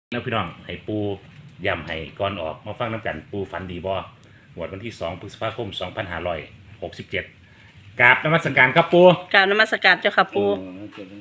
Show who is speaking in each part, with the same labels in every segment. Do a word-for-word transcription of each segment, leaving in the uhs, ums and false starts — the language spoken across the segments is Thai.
Speaker 1: แล้วพี่น้องให้ปูย้ำให้ก่อนออกมาฟังน้ำกันปูฝันดีบ่หวดวันที่สองพฤษภาคมสองพันห้าร้อยหกสิบเจ็ดกราบนมัสการครับปู
Speaker 2: กรารนมัสการเจ้าค่ะ
Speaker 3: โอ้
Speaker 2: ปู
Speaker 3: เจะได้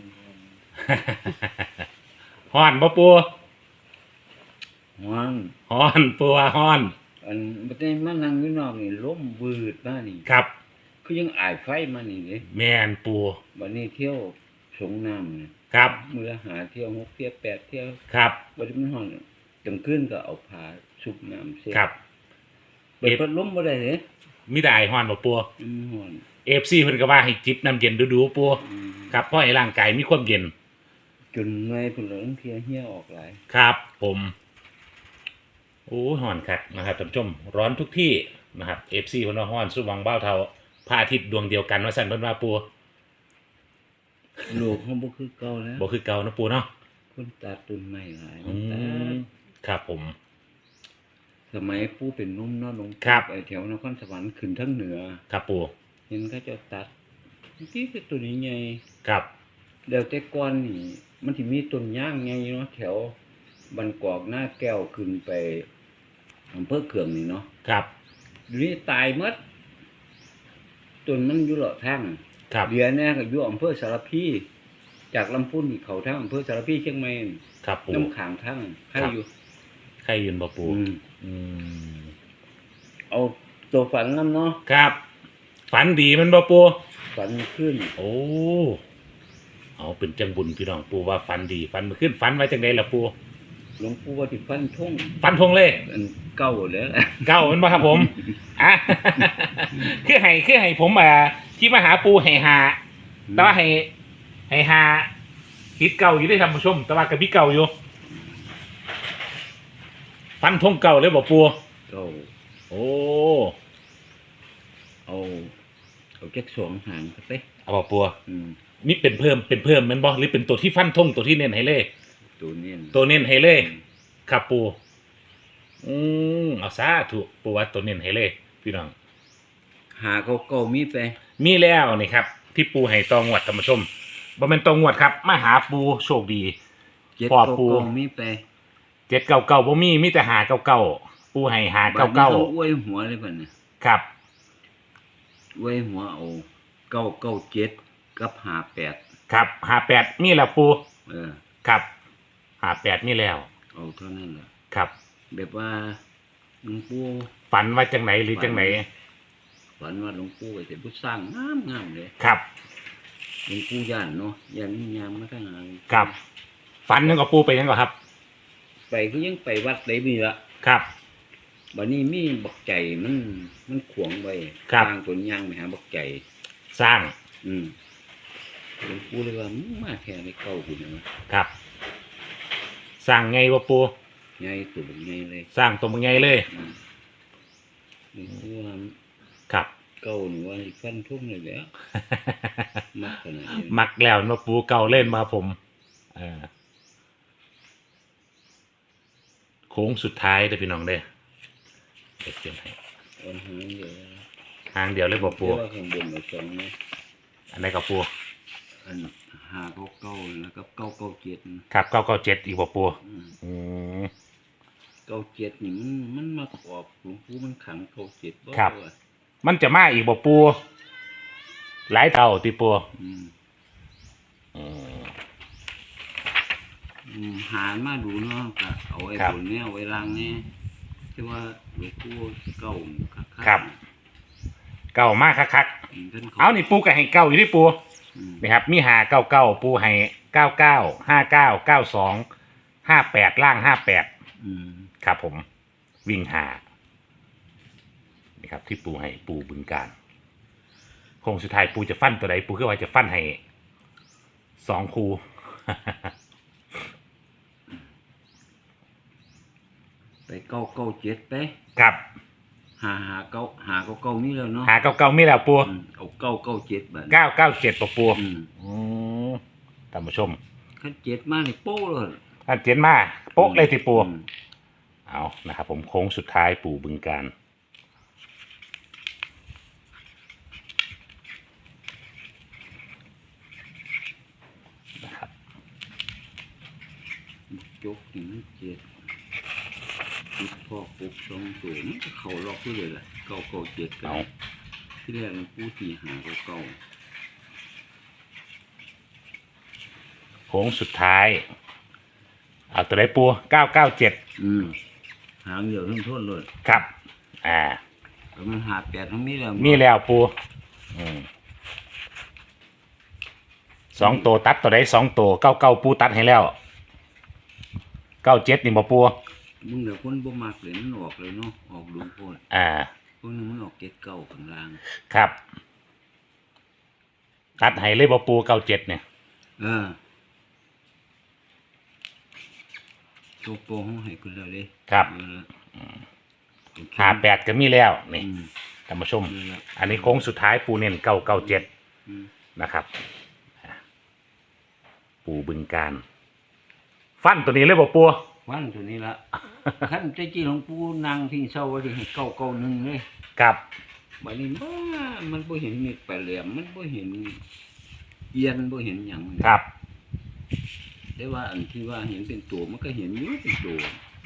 Speaker 1: ฮ้อนบ่ปู
Speaker 3: ฮ้อน
Speaker 1: ฮ้อนปูว่าฮ้อน
Speaker 3: อันบ่ได้มานั่งอยู่นอกนี่ลมวืดมานี่
Speaker 1: ครับ
Speaker 3: คือยังอายไฟมานี่เด้
Speaker 1: แม่นปู
Speaker 3: บัดนี้เที่ยวสงน้ำนี่
Speaker 1: ครับ
Speaker 3: มื้อละหาเที่ยวหกเที่ยวแปดเที่ยว
Speaker 1: ครับ
Speaker 3: บัดนี้มันฮ้อนกลางคืนก็เอาผ้าชุบน้ำเสีย
Speaker 1: ครับ
Speaker 3: เปิดพัดลมบ่ได้เด้
Speaker 1: มีแต่ไอฮ้อนบ่ปู
Speaker 3: อืมฮ้อน
Speaker 1: เอฟซีเพิ่นก็ว่าให้จิบน้ำเย็นดูๆปู
Speaker 3: อืม
Speaker 1: ครับเพราะให้ร่างกายมีความเย็น
Speaker 3: จนเมื่อยพุ่นแล้วเที่ยเหี่ยออกหลาย
Speaker 1: ครับผมโอ้ฮ้อนคักนะครับท่านผู้ชมร้อนทุกที่นะครับ เอฟ ซี เพิ่นว่าฮ้อนสุวังเบ้าเทาพระอาทิตย์ดวงเดียวกันว่าซั่นเพิ่นว่าปู
Speaker 3: โลกเฮาบ่คือเก่าแล้ว
Speaker 1: บ่คือเก่านะปูเนาะ
Speaker 3: คนตัดต้นไม้หลาย
Speaker 1: อื
Speaker 3: มันตั
Speaker 1: ม
Speaker 3: ด
Speaker 1: ครับผม
Speaker 3: สมัยปู่เป็นหนุ่มเนาะหลวง
Speaker 1: ครับ
Speaker 3: ไปแถวนครสวรรค์ขึ้นทางเหนือ
Speaker 1: ครับปู
Speaker 3: เห็นเขาเจะตัดที่คือตัวนี้ใหญ่
Speaker 1: ครับ
Speaker 3: เดี๋ยวแต่ก่อนนี่มันสิมีต้นย่างใหญ่เนาะแถวบันกอกหน้าแก้วขึ้นไปอำเภอเขืองนี่เนาะ
Speaker 1: ครับ
Speaker 3: เดี๋ยวนี้ตายหมดต้นมันอยู่เลาะทาง
Speaker 1: ครับ
Speaker 3: เดี๋ยวนี้ก็อยู่อำเภอสารพีจากลำพูนนี่เขาทางอำเภอสารพีเชียงใหม่นี่
Speaker 1: ครับปู
Speaker 3: น้ำขางทางใคร
Speaker 1: ครับ
Speaker 3: อยู่
Speaker 1: ใครยืนบ่ปู
Speaker 3: อืม
Speaker 1: อืม
Speaker 3: เอาตัวฝันนํเนาะ
Speaker 1: ครับ ฝันดีมันบ่ปู
Speaker 3: ฝันขึ้น
Speaker 1: โอ้เอาเป็นจังบุญพี่น้องปูว่าฝันดีฝันมาขึ้นฝันไว้จังไดล่ะปู
Speaker 3: หลวงปู่ว่าสิฟันทง
Speaker 1: ฝันทงเลย
Speaker 3: อันเก่าแล้วล่ะ
Speaker 1: เก้ามันบ่ครับผมอ่ะ คือให้คือให้ผมอ่าที่มาหาปูให้หา แต่ว่าให้ให้หาคิดเก่าอยู่ได้ท่านผู้ชม แต่ว่ากับพี่เก่าอยู่ ฟันทงเก่าเลยบอกปู
Speaker 3: เก่า
Speaker 1: โอ้
Speaker 3: เอาเอาแจ็คสองหางเข้าไป
Speaker 1: เอาบอกปู
Speaker 3: อืม
Speaker 1: นี่เป็นเพิ่มเป็นเพิ่มแมันบ่หรือเป็นตัวที่ฟันทงตัวที่เน้นให้เลย
Speaker 3: ตัวเนี้ย
Speaker 1: ตัวเน้นให้เลยครับปูอืมเอาซะถูกปูว่าตัวเน้นให้เลยพี่น้อง
Speaker 3: หาเขาเก่ามีไป
Speaker 1: มีแล้วนี่ครับ ที่ปูให้ตองวดท่านผู้ชมบ่เป็นตองวดครับมาหาปูโชคดี
Speaker 3: เจ็ด
Speaker 1: ปอด
Speaker 3: เก่า
Speaker 1: ปู
Speaker 3: เก่ามีไป
Speaker 1: เจ็ดเก่าเก่าบ่มีมีแต่หาเก่าเก่าปูให้หาเก่าเก่า
Speaker 3: บัดนี้ขอวยหัวเลยป่ะเนี่ย
Speaker 1: ครับ
Speaker 3: อวยหัวเอาเก้าเก้าเจ็ดกับหาแปด
Speaker 1: ครับหาแปดมีแล้วปู
Speaker 3: เออ
Speaker 1: ครับหาแปดมีแล้ว
Speaker 3: เอาเท่านั้นแหละ
Speaker 1: ครับ
Speaker 3: แบบว่าหลวงปู่
Speaker 1: ฝันว่าจังไหนหรือจังไหน
Speaker 3: ฝันว่าหลวงปู่ไปเสร็จพุทสร้างงามงามเลย
Speaker 1: ครับ
Speaker 3: หลวงปู่ย่านเนาะย่านมียามมาทั้งหาง
Speaker 1: ครับฝันยังกับปูไปยังกับครับ
Speaker 3: ไปก็ยังไปวัดได้มีละ
Speaker 1: ครับ
Speaker 3: บัดนี้มีบักใจมันมันขวางไว้
Speaker 1: ครับ
Speaker 3: ทางตัวยางไปหาบักใจ
Speaker 1: สร้าง
Speaker 3: อืมหลวงปู่เลยว่ามึงมาแค่ในเก่าคุณนะ
Speaker 1: ครับ สร้างไงวะปู
Speaker 3: ใหญ่ตัวบักใหญ่เลย
Speaker 1: สร้างตัวมึงไงเลย
Speaker 3: อืมหลวงปู่ว่า
Speaker 1: ครับ
Speaker 3: เก่าหนูว่าสิฟันทุ่งเลยแหล้วมักขนาดนี้
Speaker 1: มักแล้วมาปูเก่าเล่นมาผมเออโค้งสุดท้ายเลยพี่น้องเด้อเดี๋ยวเขียนให้
Speaker 3: เอาหางเดียว
Speaker 1: ทางเดียวเลยบอกปู
Speaker 3: เรียกว่าข้างบนเอาสองนะ
Speaker 1: อันไหนกับปู
Speaker 3: อันหาเก้าเก้าแล้วก็เก้าเก้าเจ็ด
Speaker 1: ครับเก้าเก้าเจ็ดอีกบอกปู
Speaker 3: อืม
Speaker 1: อืม
Speaker 3: เก้าเจ็ดนี่มันมันมาขอบหลวงปู่มันขังเก้าเจ็ดบ่
Speaker 1: ครับ
Speaker 3: ว่า
Speaker 1: มันจะมาอีกบอกปู หลายเท่าตีปู
Speaker 3: อืม
Speaker 1: อืม
Speaker 3: อืมหามาดูเนาะก็เอาไอ้
Speaker 1: ครับ
Speaker 3: บนเนี้ยเอาไว้ล่างเนี่ยที่ว่าหลวงปู่เก้าคักๆ
Speaker 1: ครับ เก่ามากคัก
Speaker 3: อืมท่าน
Speaker 1: ๆเอานี่ปูกับให้เก้าอยู่ที่ปู
Speaker 3: อืม
Speaker 1: นี่ครับ มีหาเก้าเก้าปูให้เก้าเก้าห้าเก้าเก้าสองห้าแปดล่างห้าแปด
Speaker 3: อืม
Speaker 1: ครับผม วิ่งหานี่ครับ ที่ปูให้ปูบึงการโค้งสุดท้ายปูจะฟันตัวใดปูก็ว่าจะฟันให้สองคู
Speaker 3: ไปเก้าเก้าเจ็ดไป
Speaker 1: ครับ
Speaker 3: หาหาเก้าหาเก้าเก้านี่แล้วเนาะ
Speaker 1: หาเก้าเก้ามีแล้วปู
Speaker 3: อืมเอาเก้าเก้าเจ็ดบาท
Speaker 1: เก้าเก้าเจ็ดปะปู
Speaker 3: อืม
Speaker 1: อืมท่านผู้ชม
Speaker 3: ขั้นเจ็ดมานี่โป้เลย
Speaker 1: ท่านเจียนมาโป๊ะเลยที่ปู
Speaker 3: อืม
Speaker 1: เอานะครับผมโค้งสุดท้ายปู่บึงการนะครับ
Speaker 3: ใจจกนี่มันเจ็ดติดพ่อปุกสองตัวมันก็เข้าล็อกอยู่เลยล่ะเก้าเก้าเจ็ดกั
Speaker 1: เอา
Speaker 3: นที่แรกหลวงปู่ตีหาเก้าเก้า
Speaker 1: โค้งสุดท้ายเอาตัวไหนปูเก้าเก้าเจ็ด
Speaker 3: อืมหางเดียวทั้งทนเลย
Speaker 1: ครับอ่า
Speaker 3: แต่มันหาแปดทั้งนี้แล้ว
Speaker 1: มีแล้วปูอืมสองตัวตัดตัวไหนสองตัวเก้าเก้าปูตัดให้แล้วเก้าเจ็ดนี่บ่ปู
Speaker 3: มึงเดี๋ยวคนบ่มักเลยมันออกเลยเนาะออกดูโพด
Speaker 1: อ่า
Speaker 3: พวกนึงมันออกเก็ดเก้าข้างล่าง
Speaker 1: ครับ ตัดให้เลยบ่ปูเก้าเจ็ดเนี่ย
Speaker 3: เออตัวโปห้องให้คุณเลยเลย
Speaker 1: ครับ
Speaker 3: เออโอเค
Speaker 1: หาแปดก็มีแล้วนี่
Speaker 3: อืม
Speaker 1: ท่านผู้ชม
Speaker 3: นี่แหละ
Speaker 1: อันนี้โค้งสุดท้ายปูเน้นเก้าเก้าเจ็ด
Speaker 3: อืม
Speaker 1: นะครับ ปูบึงการ ฟันตัวนี้เลยบ่ปู
Speaker 3: วันตัวนี้ละ ขั้นใจจีหลวงปู่นางทิ้งเศร้าไว้ที่ให้เก้าเก้าหนึ่งเลย
Speaker 1: ครับ
Speaker 3: บัดนี้บ้ามันบ่เห็นมีแปลแหลมมันบ่เห็นเอียนบ่เห็นหยัง
Speaker 1: ครับ
Speaker 3: แต่ว่าอันที่ว่าเห็นเป็นตัวมันก็เห็นอยู่เป็นตัว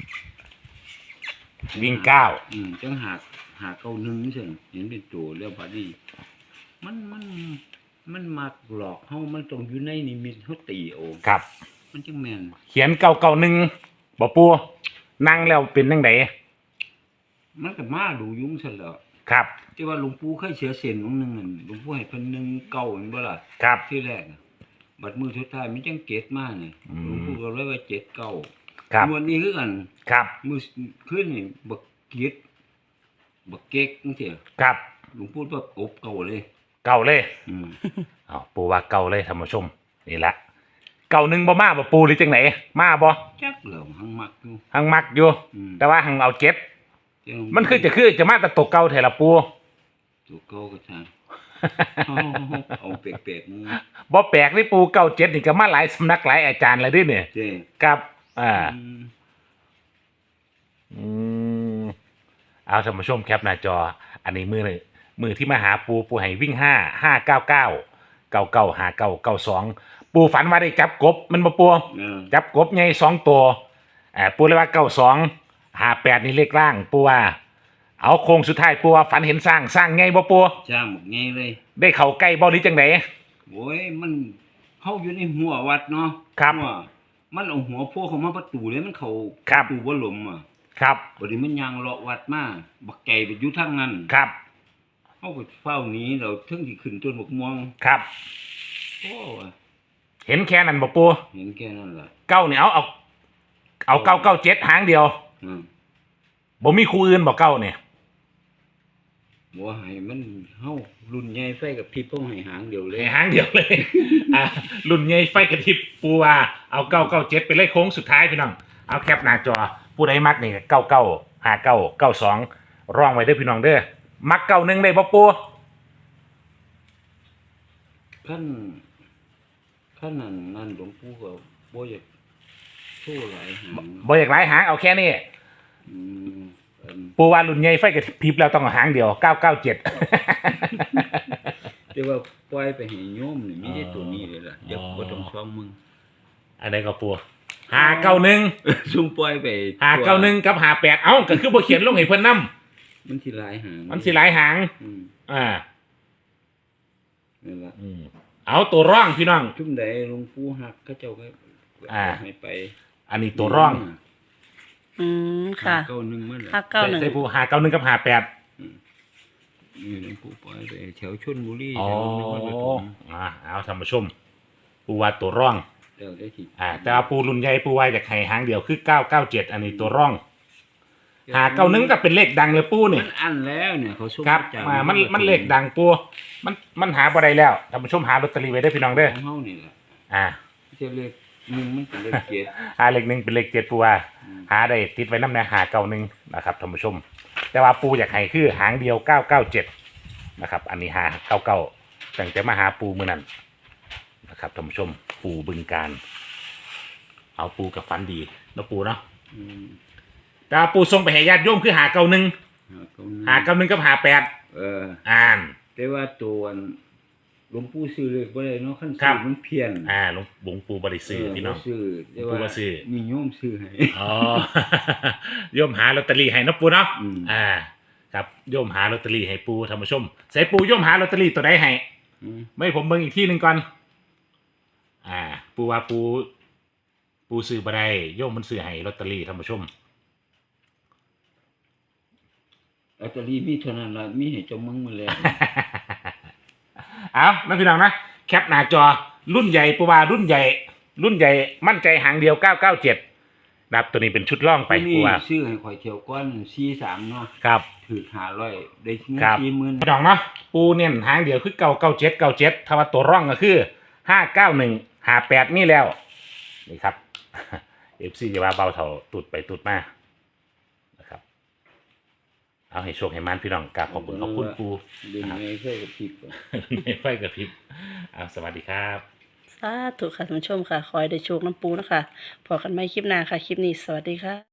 Speaker 1: วิ่งเก้า
Speaker 3: อืมจังหากหาเก้าหนึ่งนี่ซั่นเห็นเป็นตัวแล้วบัดนี้มันมันมันมักหลอกเฮามันต้องอยู่ในนิมิตเฮาตีเอา
Speaker 1: ครับ
Speaker 3: มันจังแม่น
Speaker 1: เขียนเก้าเก้าหนึ่งบ่ปูนั่งแล้วเป็นจังได
Speaker 3: มันก็มาดูยุ่งซั่นแหล้ว
Speaker 1: ครับ
Speaker 3: ที่ว่าหลวงปู่เคยเสียเส้นองค์หนึงนั่นหลวงปู่ให้เพิ่นหนึ่งเก้าแม่นบ่ล่ะ
Speaker 1: ครับ
Speaker 3: ที่แรกน่ะบัดมือสุดท้ายมันจังเกตมานี่
Speaker 1: อืม
Speaker 3: หลวงปู่ก็เลยว่าเจ็ดเก้า
Speaker 1: ครับ
Speaker 3: งวดนี้คือกัน
Speaker 1: ครับ
Speaker 3: มือขึ้นนี่บักเกียดบักเก๊กจังซี่
Speaker 1: ครับ
Speaker 3: หลวงปู่ว่ากบเก่าเลย
Speaker 1: เก่าเลย
Speaker 3: อืม
Speaker 1: เอาปูว่าเก่าเลยท่านผู้ชม นี่ละเก่าหนึ่งบ่มาบ่ปูหรือจังไหนมาบ่
Speaker 3: จักเหล่าหังมักอยู่
Speaker 1: หังมักอยู่
Speaker 3: อืม
Speaker 1: แต่ว่าหังเอาเจ็ด
Speaker 3: จัง
Speaker 1: มันคือจะคือจะมาแต่ตกเก่าแถละปู
Speaker 3: ตัวเก่าก็ทางเอาเปียกๆมึง
Speaker 1: บ่แปลกนี่ปูเก่าเจ็ดนี่ก็มาหลายสำนักหลายอาจารย์แล้วเด้วยเนี่ย
Speaker 3: เจ้
Speaker 1: ครับ อ่า
Speaker 3: อืม
Speaker 1: อืมเอาท่านผู้ชมแคปหน้าจอ อันนี้มือเลยมือที่มาหาปูปูให้วิ่งห้าห้าเก้าเก้าเก้าเก้าหาเก้าเก้าสองปูฝันว่าได้จับกบมันมาปู
Speaker 3: เออ
Speaker 1: จับกบไงสองตัวอ่าปูเลยว่าเก้าสองหาแปดนี่เลขล่างปูว่า เอาโค้งสุดท้ายปูว่าฝันเห็นสร้างสร้างไงบ่ปู
Speaker 3: จ้างบักไงเลย
Speaker 1: ได้เข้าใกล้บ่หรือจังได
Speaker 3: โอ้ยมันเฮาอยู่ในหัววัดเนาะ
Speaker 1: ครับ
Speaker 3: หัวมันเอาหัวโผล่เข้ามาประตูเลยมันเข้า
Speaker 1: ครับ
Speaker 3: ประตูบ่หลมอ่ะ
Speaker 1: ครับ
Speaker 3: บัดนี้มันยางเลาะวัดมาบักไก่ไปอยู่ทางนั้น
Speaker 1: ครับ
Speaker 3: เฮาก็เฝ้าหนี้เราถึงสิขึ้นต้นบักม่วง
Speaker 1: ครับ
Speaker 3: โอ้ย
Speaker 1: เห็นแค่นั้นบ่ปู
Speaker 3: เห็นแค่นั้นล่ะ
Speaker 1: เก้าเนี่ยเอาเอาเอาเก้าเก้าเจ็ดหางเดียว
Speaker 3: อืม
Speaker 1: บ่มีคู่อื่นบ่เก้าเนี่ย
Speaker 3: บ่ให้มันเฮารุ่นใหญ่ไฟกับพริบเฮาให้หางเดียวเลย
Speaker 1: ให้หางเดียวเลย อ่ารุ่นใหญ่ไฟกระพริบปูว่าเอาเก้าเก้าเจ็ดไปเลยโค้งสุดท้ายพี่น้องเอาแคปหน้าจอผู้ใดมักนี่เก้าเก้าห้าเก้าเก้าสองร่องไว้เด้อพี่น้องเด้อมักเก้าหนึ่งได้บ่ปู
Speaker 3: คันคันนั้นนั่นหลวงปู่ก็บ่อยากโชว์หลายหาง
Speaker 1: บ่อยากหลายหางเอาแค่นี้
Speaker 3: อืมอัน
Speaker 1: ปูว่ารุ่นใหญ่ไฟกระพริบแล้วต้องเอาหางเดียวเก้าเก้าเจ็ด
Speaker 3: แต่ว่าปล่อยไปให้โยมนี่มีแต่ตัวนี้เลยล่ะอย่า
Speaker 1: อ๋อ
Speaker 3: บ่ต้องฟ้องมึง
Speaker 1: อันใดก็ปูหาเก้าหนึ่ง
Speaker 3: ซุ่มปล่อยไป
Speaker 1: หาเก้าหนึ่งกับหาแปดเอ้าก็คือบ่เขียนลงให้เพิ่นนำ
Speaker 3: มันสิหลายหาง
Speaker 1: มันสิหลายหาง
Speaker 3: อืม
Speaker 1: อ่า
Speaker 3: นั่นล่ะ
Speaker 1: อืมเอาตัวร่องพี่น้อง
Speaker 3: จุ่มใดหลวงปู่ฮักเขาเจ้าก็
Speaker 1: อ่า
Speaker 3: ให้ไป
Speaker 1: อันนี้ตัวร่อง
Speaker 2: อืมค่ะ
Speaker 3: เก้าหนึ่งมันแหละ
Speaker 2: ห้าเก้าหนึ่ง
Speaker 1: ใส่ปูหาเก้าหนึ่งกับหาแปด
Speaker 3: นี่หลวงปู่ปล่อยไปแถวชลบุรี
Speaker 1: อ๋อ
Speaker 3: แถวนครปฐม
Speaker 1: อ่าเอาท่านผู้ชม ปูว่าตัวร่อง
Speaker 3: แล้วได้ที่
Speaker 1: อ่า แต่ว่าปูรุ่นใหญ่ปูว่าจากไข่หางเดียวคือเก้าเก้าเจ็ดอันนี้ตัวร่อง หาเก้าหนึ่งก็เป็นเลขดังเลยปูนี่
Speaker 3: มันอันแล้วเนี่ยเขาส่ง
Speaker 1: ครับ
Speaker 3: จาก
Speaker 1: มามันมันเลขดังปูมันมันหาบ่ได้แล้วท่านผู้ชมหาลอตเตอรี่ไว้ได้อพี่น้องเด้อ
Speaker 3: ของเฮานี่แหละ
Speaker 1: อ่า
Speaker 3: เจ้าเลขหนึ่งมันเป็นเลขเจ็ด
Speaker 1: หาเลขหนึ่งเป็นเลขเจ็ดปูว่า
Speaker 3: อืม
Speaker 1: หาได้ติดไว้น้ำในหาเก้าหนึ่งนะครับท่านผู้ชม แต่ว่าปูอยากให้คือหางเดียวเก้าเก้าเจ็ดนะครับ อันนี้หาเก้าเก้าตั้งแต่มาหาปูมือนั้นนะครับท่านผู้ชม ปูบึงการ เอาปูกับฟันดีเนาะปูเนาะ
Speaker 3: อืม
Speaker 1: แต่ว่าปูส่งไปให้ญาติโยมคือหาเก้าหนึ่ง
Speaker 3: หาเก้าหนึ่ง
Speaker 1: หาเก้าหนึ่งกับหาแปด
Speaker 3: เออ
Speaker 1: อ่าน
Speaker 3: แต่ว่าตัวอันหลวงปู่ซื้อเลขบ่ได้เนาะคัน
Speaker 1: ครั
Speaker 3: ซื้
Speaker 1: บ
Speaker 3: อมันเพี้ยน
Speaker 1: อ่าหลวงหลวงปู่บริซื้อพี่น้อง
Speaker 3: บ่ซื้อแต่
Speaker 1: หลวงปู่
Speaker 3: ว่า
Speaker 1: บ่ซื้อ
Speaker 3: มีโยมซื้อให้
Speaker 1: อ๋อ โยมหาลอตเตอรี่ให้เนาะปูเนาะ
Speaker 3: อืม
Speaker 1: อ่า ครับโยมหาลอตเตอรี่ให้ปูท่านผู้ชมใส่ปูโยมหาลอตเตอรี่ตัวใดให้
Speaker 3: อืม
Speaker 1: ไม่ผมเบิ่งอีกที่หนึ่งก่อน อ่า ปูว่าปู ปูซื้อบ่ได้โยมมันซื้อให้ลอตเตอรี่ท่านผู้ชม
Speaker 3: ลอตเตอรี่มีเท่านั้นล่ะมีให้เจ้ามึงมาแล้ว
Speaker 1: เอานะพี่น้องนะแคปหน้าจอรุ่นใหญ่ปูว่ารุ่นใหญ่ รุ่นใหญ่มั่นใจหางเดียวเก้าเก้าเจ็ดนะครับตัวนี้เป็นชุดล่องไป
Speaker 3: ผู้
Speaker 1: ปู
Speaker 3: นี่
Speaker 1: ว่า
Speaker 3: ซื้อให้ข่อยเที่ยวก่อนสี่สิบสามเนาะ
Speaker 1: ครับ
Speaker 3: ถูกห้าร้อยได้เงิน
Speaker 1: ครับ
Speaker 3: สี่หมื่น
Speaker 1: พี่น้องเนาะปูเน้นหางเดียวคือเก้าเก้าเจ็ดเก้าเจ็ดถ้าว่าตัวร่องก็คือห้าเก้าหนึ่งห้าแปดนี่แล้วนี่ครับ เอฟซีจะว่าเบาเท่าตุดไปตุดมานะครับ เอาให้โชคให้มันพี่น้องกราบขอบคุณขอบคุณปู
Speaker 3: เดินไม่เคยกับพริกก่อน
Speaker 1: ไม่ไฟกับพริบเอาสวัสดีครับ
Speaker 2: สาธุค่ะท่านผู้ชมค่ะ คอยได้โชคน้ำปูนะคะพอกันไม่คลิปหน้าค่ะ คลิปนี้สวัสดีค่ะ